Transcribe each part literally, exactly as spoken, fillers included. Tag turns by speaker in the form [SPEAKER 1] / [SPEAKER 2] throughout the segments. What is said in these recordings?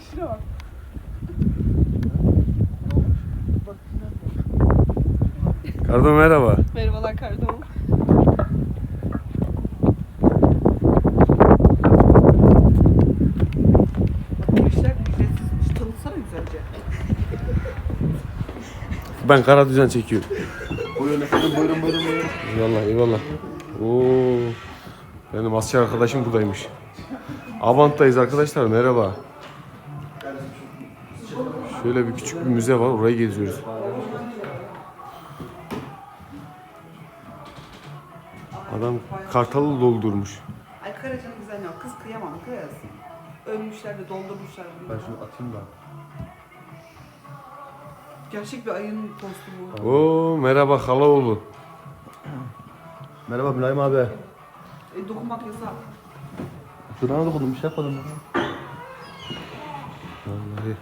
[SPEAKER 1] şuna bak.
[SPEAKER 2] Kardo merhaba.
[SPEAKER 1] Merhabalar Kardom. Bu işler ücretsizmiş. Tanıtsana güzelce.
[SPEAKER 2] Ben kara düzen çekiyorum.
[SPEAKER 3] Buyurun efendim, buyurun buyurun buyurun.
[SPEAKER 2] Eyvallah eyvallah. Oo. Benim asker arkadaşım buradaymış. Avant'tayız arkadaşlar, merhaba. Şöyle bir küçük bir müze var, orayı geziyoruz. Adam kartalı doldurmuş.
[SPEAKER 1] Ay Karaca'nın güzel ya. Kız kıyamam kız. Ölmüşler de doldurmuşlar.
[SPEAKER 3] Ben şunu atayım da.
[SPEAKER 1] Gerçek bir ayının postu bu.
[SPEAKER 2] Oo merhaba Halaoğlu.
[SPEAKER 3] Merhaba Mülayim abi.
[SPEAKER 1] E, dokunmak yasak.
[SPEAKER 3] Şurana dokundum, bir şey yapmadım.
[SPEAKER 2] Vallahi.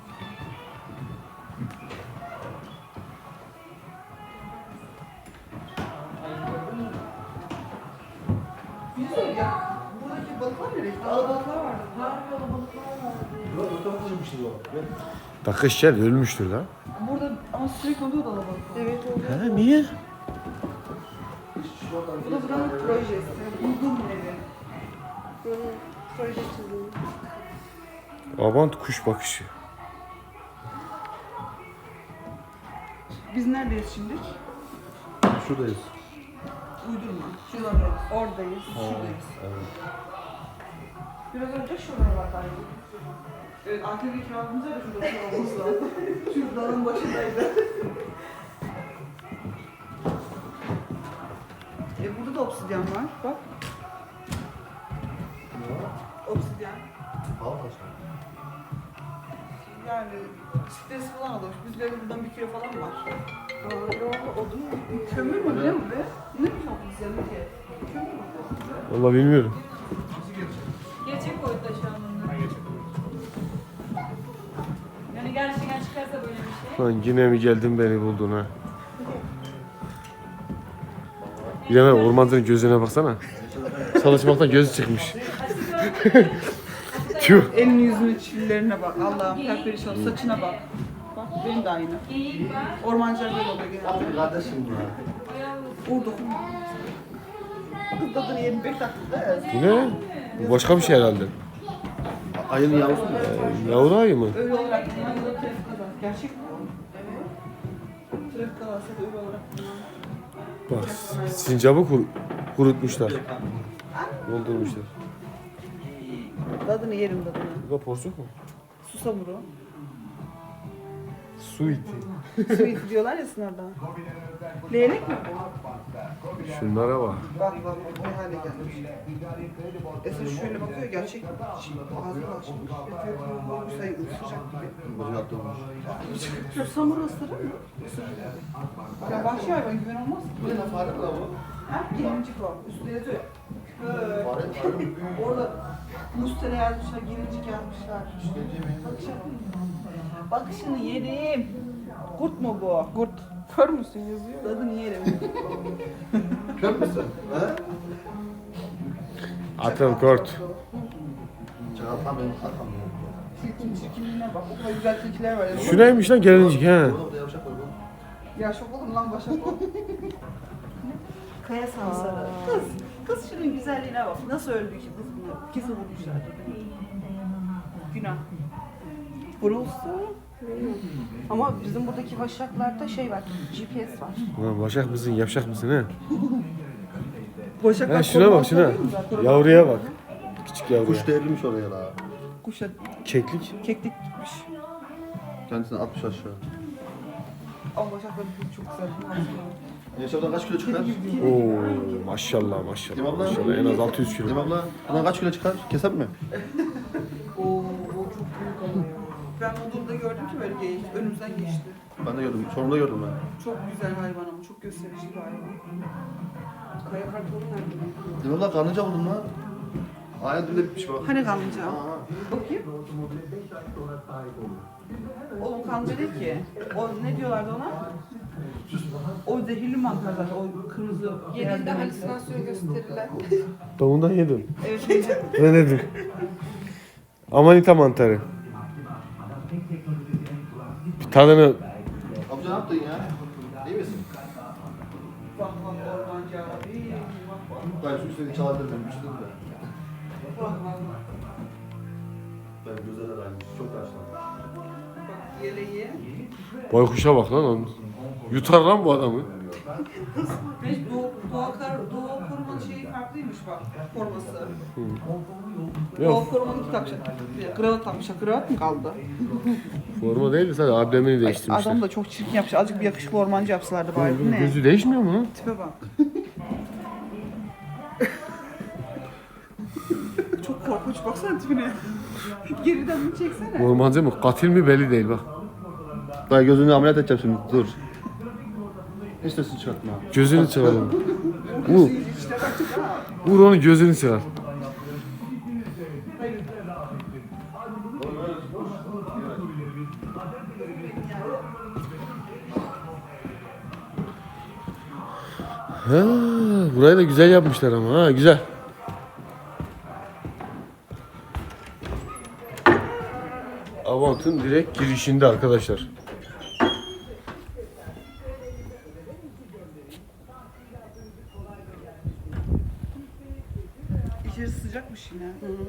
[SPEAKER 1] Güzel ya. Buradaki balıklar nereye? Alabalıklar vardı. Harbi alabalıklar vardı.
[SPEAKER 2] Takış gel ölmüştür lan.
[SPEAKER 1] Burada ama sürekli oluyor da alabalıklar. Evet oluyor.
[SPEAKER 2] He niye?
[SPEAKER 1] Bu da buranın projesi. Uygun evi. Buranın proje çizimi.
[SPEAKER 2] Avant kuş bakışı.
[SPEAKER 1] Biz neredeyiz şimdi?
[SPEAKER 3] Şuradayız.
[SPEAKER 1] Uydurma. Şuradayız. Oradayız. Şuradayız.
[SPEAKER 3] Evet.
[SPEAKER 1] Biraz önce şuralardaydı. Evet, A T V kiramızda da şurada şurada olması lazım. Şu dağın başındaydı. E burada da obsidyen var. Bak. Obsidyen.
[SPEAKER 3] Al taşlar.
[SPEAKER 1] Yani stres falan almış. Bizlerde buradan bir kilo falan var. Aa, ne oldu? Odun mu? Kömür mü ne bu be? Ne mi obsidyen ki? Kömür mü bu?
[SPEAKER 2] Vallahi bilmiyorum.
[SPEAKER 4] Gerçek boyutta şu an bunlar. Yani gerçekten çıkarsa böyle bir şey.
[SPEAKER 2] Lan yine mi geldin beni buldun ha? Bir hemen ormancının gözüne baksana. Çalışmaktan gözü çıkmış. Tüh.
[SPEAKER 1] Elini yüzünü çillerine bak. Allah'ım perperişan saçına bak. Bak benim de aynı.
[SPEAKER 4] Geyik var.
[SPEAKER 1] Ormancılar böyle oluyor genelde.
[SPEAKER 3] Kardeşim ya.
[SPEAKER 1] Uğur dokunma. Kız tadını yirmi beş dakikada.
[SPEAKER 2] Bu ne? Bu başka bir şey herhalde.
[SPEAKER 3] Ayının yavrusu mu?
[SPEAKER 2] Ee, yavru ayı mı?
[SPEAKER 1] Öyle olarak kullanılıyor trafik kazası. Gerçek mi? Evet. Trafik kazası da öyle olarak kullanılıyor.
[SPEAKER 2] Bak sincabı kur, kurutmuşlar. Doldurmuşlar.
[SPEAKER 1] Tadını yerim tadını.
[SPEAKER 2] Bu da porsuk mu?
[SPEAKER 1] Susamuru.
[SPEAKER 2] Su iti.
[SPEAKER 1] Su iti diyorlar ya sınavda. Leylek mi bu?
[SPEAKER 2] Şunlara bak.
[SPEAKER 1] Bak bak bak ne hale gelmiş. Eser şöyle bakıyor gerçek mi? Ağzını açmış. Efe bu sayı ısıracak gibi.
[SPEAKER 3] Bacı attırmış.
[SPEAKER 1] Susamuru ısırır mı? Isırır. Ya vahşi hayvan güven olmaz.
[SPEAKER 3] Bu ne fare mi lan bu?
[SPEAKER 1] Ha? Gelincik o. Üstüne yazıyor. Böyle.
[SPEAKER 3] Fare, fare mi?
[SPEAKER 1] Orada Mustera yazmışlar, gelincik yazmışlar. Bakışını yerim. Kurt mu bu? Kurt. Kör müsün yazıyor? Tadını yerim.
[SPEAKER 3] Kör müsün? He?
[SPEAKER 2] Atıl kort.
[SPEAKER 3] Çağatan benim katam ya.
[SPEAKER 1] Çirkin çirkinliğine bak. O kadar güzel tilkiler var ya.
[SPEAKER 2] Şu neymiş lan gelincik he?
[SPEAKER 3] Burada burada yavşak var bu.
[SPEAKER 1] Ya şok oldum lan başa bu. Kaya sansarı. Kız, kız şunun güzelliğine bak. Nasıl öldü ki kız bunu? Kesin vurmuşlar. Günah. Vurulsun. Ama bizim buradaki başaklarda şey var, G P S var.
[SPEAKER 2] Ulan başak mısın, yapşak mısın he?
[SPEAKER 1] Başaklar
[SPEAKER 2] He şuna bak şuna. Yavruya bak. Küçük yavruya.
[SPEAKER 3] Kuş devrilmiş oraya la.
[SPEAKER 1] Kuşa
[SPEAKER 2] Keklik.
[SPEAKER 1] keklik gitmiş.
[SPEAKER 3] Kendisini atmış aşağı.
[SPEAKER 1] Ama başaklar çok güzel.
[SPEAKER 3] Yaşamdan kaç kilo çıkar?
[SPEAKER 2] Oo maşallah maşallah.
[SPEAKER 3] Değil mi abla?
[SPEAKER 2] Maşallah en az altı yüz
[SPEAKER 3] Değil mi
[SPEAKER 2] kilo.
[SPEAKER 3] abla? Bundan kaç kilo çıkar? Keser mi?
[SPEAKER 1] Oo, o çok büyük ama ya. Ben Bodrum'da gördüm ki böyle geyik. Önümüzden geçti.
[SPEAKER 3] Ben de gördüm. Sonunda gördüm ben.
[SPEAKER 1] Çok güzel hayvan ama çok gösterişli bir hayvan. Kaya kartonu nerede?
[SPEAKER 3] Değil mi abla? Karnıca buldum lan. Aynen dibinde bitmiş bak.
[SPEAKER 1] Hani kanlıca?
[SPEAKER 3] Aa.
[SPEAKER 1] Bakayım. O kanlıca değil ki. O ne diyorlardı ona? O zehirli mantar zaten. O kırmızı.
[SPEAKER 5] Genelde halüsinasyon gösterilen.
[SPEAKER 2] Davundan yedim.
[SPEAKER 1] Evet. evet.
[SPEAKER 2] Ne nedir? Amanita mantarı. tadını
[SPEAKER 3] Amca ne yaptın ya? İyi misin?
[SPEAKER 1] Bak bak ormancı abi.
[SPEAKER 3] Ben şu üstüne çalabilir miyim? Üşüdüm de. Ben gözler araymış. Çok yaşlandım.
[SPEAKER 1] Bak yeleği.
[SPEAKER 2] baykuşa bak lan onun. Yutar lan bu adamı.
[SPEAKER 1] Hiç Doğu, Doğu, Kar, Doğu korumanın şeyi farklıymış bak. Forması. Doğu
[SPEAKER 2] Yok
[SPEAKER 1] korumanın iki takacak. Kravat takmışlar. Kravat mı kaldı?
[SPEAKER 2] forma değil de sadece ablemini
[SPEAKER 1] Ay,
[SPEAKER 2] değiştirmişler.
[SPEAKER 1] adam da çok çirkin yapmış. Azıcık bir yakışıklı ormancı yapsalardı bari. Bu ne?
[SPEAKER 2] Gözü değişmiyor mu lan?
[SPEAKER 1] Tipe bak. Çok korkunç. Baksana tipine. Geriden mi çeksene?
[SPEAKER 2] Ormancı mı? Katil mi belli değil bak.
[SPEAKER 3] Dayı gözünü ameliyat edeceğim şimdi. Dur. Hiç sesini çıkartma.
[SPEAKER 2] Gözünü çıkaralım. Vur.
[SPEAKER 1] İşte baktık ha.
[SPEAKER 2] Vur onun gözünü çıkar. Ha, burayı da güzel yapmışlar ama ha güzel. Avant'ın direkt girişinde arkadaşlar.
[SPEAKER 1] İçerisi sıcakmış yine.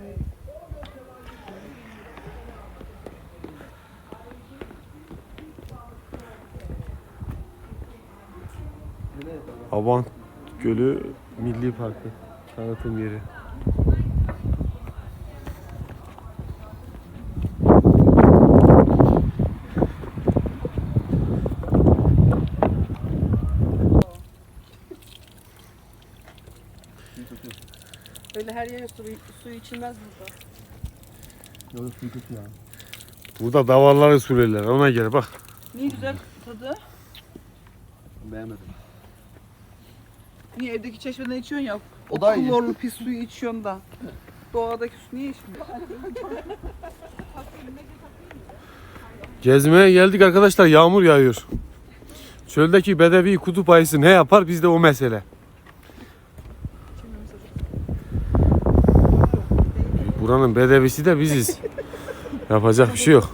[SPEAKER 2] Avant Gölü Milli Parkı tanıtım yeri.
[SPEAKER 1] Öyle her yere su, suyu içilmez burada.
[SPEAKER 3] Yok suyu kötü ya.
[SPEAKER 2] Burada davarları sürerler ona göre bak.
[SPEAKER 1] Niye güzel tadı?
[SPEAKER 3] Beğenmedim.
[SPEAKER 1] Niye evdeki çeşmeden içiyorsun ya? O,
[SPEAKER 3] O da iyi.
[SPEAKER 1] klorlu pis suyu içiyorsun da. Doğadaki su niye içmiyorsun?
[SPEAKER 2] Gezmeye geldik arkadaşlar, yağmur yağıyor. Çöldeki bedevi kutup ayısı ne yapar bizde o mesele. Buranın bedevisi de biziz. Yapacak bir şey yok.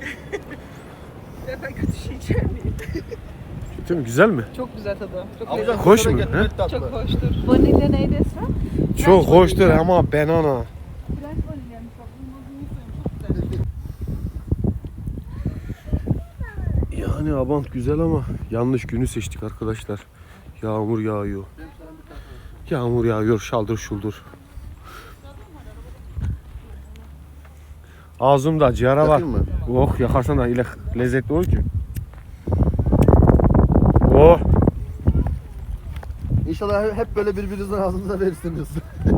[SPEAKER 1] Ben kötü şey içer miyim?
[SPEAKER 2] Değil mi? Güzel mi?
[SPEAKER 1] Çok güzel tadı. Çok
[SPEAKER 3] Amca
[SPEAKER 1] lezzetli.
[SPEAKER 2] Hoş mu,
[SPEAKER 3] kusura
[SPEAKER 2] he?
[SPEAKER 3] gitme, tatlı.
[SPEAKER 1] Çok hoştur.
[SPEAKER 5] Vanilya neydi Esra?
[SPEAKER 2] Çok hoştur ama banana. Yani Abant güzel ama yanlış günü seçtik arkadaşlar. Yağmur yağıyor. Yağmur yağıyor şaldır şuldur. Ağzımda ciğara var.
[SPEAKER 3] Yakayım mı?
[SPEAKER 2] Oh yakarsan da ile lezzetli olur ki. Oh.
[SPEAKER 3] İnşallah hep böyle birbirinizden ağzınıza verirsiniz.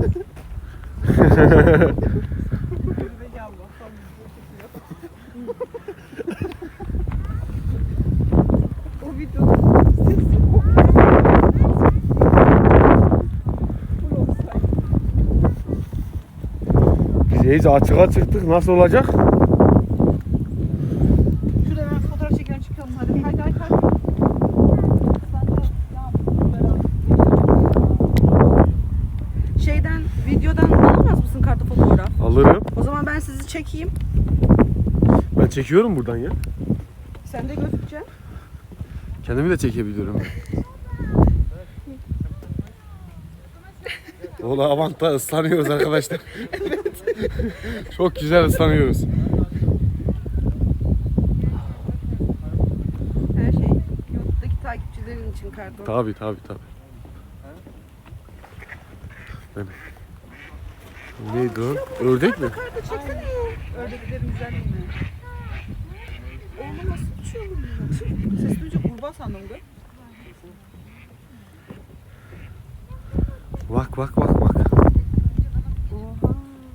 [SPEAKER 1] O videoda sesi
[SPEAKER 2] Biz iyice açığa çıktık. Nasıl olacak?
[SPEAKER 1] Şurada ben fotoğraf çekelim çıkalım hadi. Hadi hadi hadi. Şeyden, videodan alamaz mısın kartı fotoğraf?
[SPEAKER 2] Alırım.
[SPEAKER 1] O zaman ben sizi çekeyim.
[SPEAKER 2] Ben çekiyorum buradan ya.
[SPEAKER 1] Sen de gözükeceksin.
[SPEAKER 2] Kendimi de çekebiliyorum. Ola Avant'ta ıslanıyoruz arkadaşlar. Çok güzel ıslanıyoruz.
[SPEAKER 1] Her şey YouTube'daki takipçilerin için kartı.
[SPEAKER 2] Tabi tabi tabi. Ben... Neydi o? Ördek mi?
[SPEAKER 1] Kartı çeksene. Ördeklerin güzelliğini. Oğlum nasıl uçuyor bu? Ses duyunca kurbağa sandım da.
[SPEAKER 2] Bak bak bak bak.
[SPEAKER 1] Oha.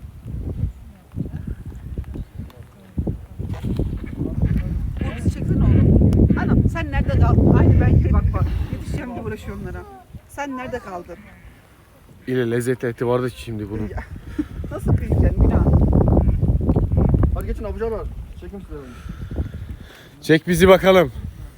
[SPEAKER 1] Bu bizi çeksene oğlum. Anam sen nerede kaldın? Aynı ben gibi bak bak. Yetişeceğim diye uğraşıyorum onlara. Sen nerede kaldın?
[SPEAKER 2] İle lezzetli eti vardı ki şimdi bunun.
[SPEAKER 1] Nasıl kıyacaksın günah?
[SPEAKER 3] Hadi geçin abuca var. Çekim size.
[SPEAKER 2] Çek bizi bakalım.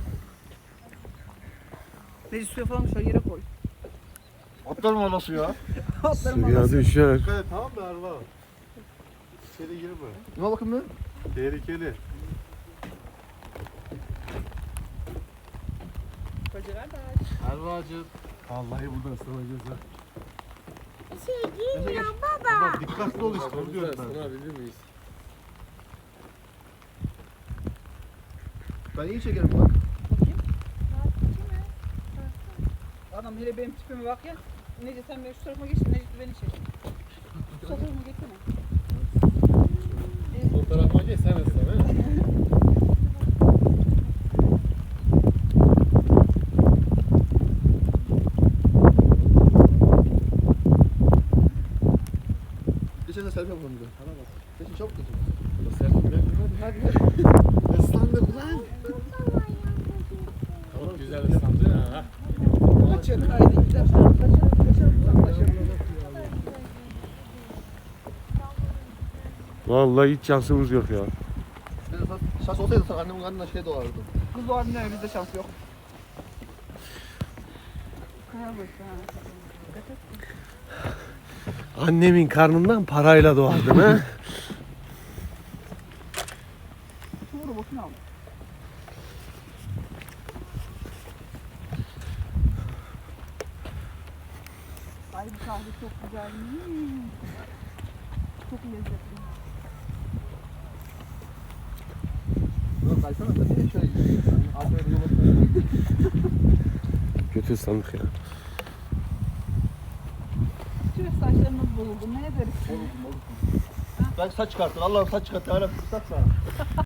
[SPEAKER 1] Necip suya falan şöyle yere koy.
[SPEAKER 3] Atlarım anası ya.
[SPEAKER 1] Atlarım
[SPEAKER 2] Suya
[SPEAKER 1] anasını.
[SPEAKER 2] düşer.
[SPEAKER 6] Evet tamam mı Erva? İçeri girme.
[SPEAKER 3] Ne bakın be?
[SPEAKER 6] Tehlikeli. Erva'cığım.
[SPEAKER 2] Vallahi burada ıslanacağız ha.
[SPEAKER 6] Baba dikkatli ol işte onu diyorum ben.
[SPEAKER 2] Islanabilir miyiz?
[SPEAKER 3] Ben iyi çekerim bak.
[SPEAKER 1] Adam hele benim tipime bak ya. Necdet sen beni şu tarafa geçtin, Necdet beni çek. Sol tarafa geçsene.
[SPEAKER 2] Sol tarafa geç sen ıslan ha.
[SPEAKER 3] Geçen de selfie yapalım bir de. Geçin çabuk geçin.
[SPEAKER 2] Hadi hadi. Islandık lan. Çok güzel ıslandı ha.
[SPEAKER 1] Kaçın haydi gidelim. Kaçalım, kaçalım, uzaklaşalım.
[SPEAKER 2] Vallahi hiç şansımız yok ya.
[SPEAKER 3] Şans olsaydı sen annemin karnına şey dolardı.
[SPEAKER 1] Kız var ne bizde şans yok. Kaya boş ha.
[SPEAKER 2] Annemin karnından parayla doğardım ha.
[SPEAKER 1] Şu robotunu al. Ay bu kahve çok güzel. Hmm. Çok lezzetli.
[SPEAKER 3] Ulan kaysana da niye şöyle gidiyorsun? Aferin yolun.
[SPEAKER 2] Kötü ıslandık ya.
[SPEAKER 1] Tüh saçlarımız bozuldu. Ne ederiz?
[SPEAKER 3] Ben saç çıkarttın. Allah'ım saç çıkarttın. Hala saç sana.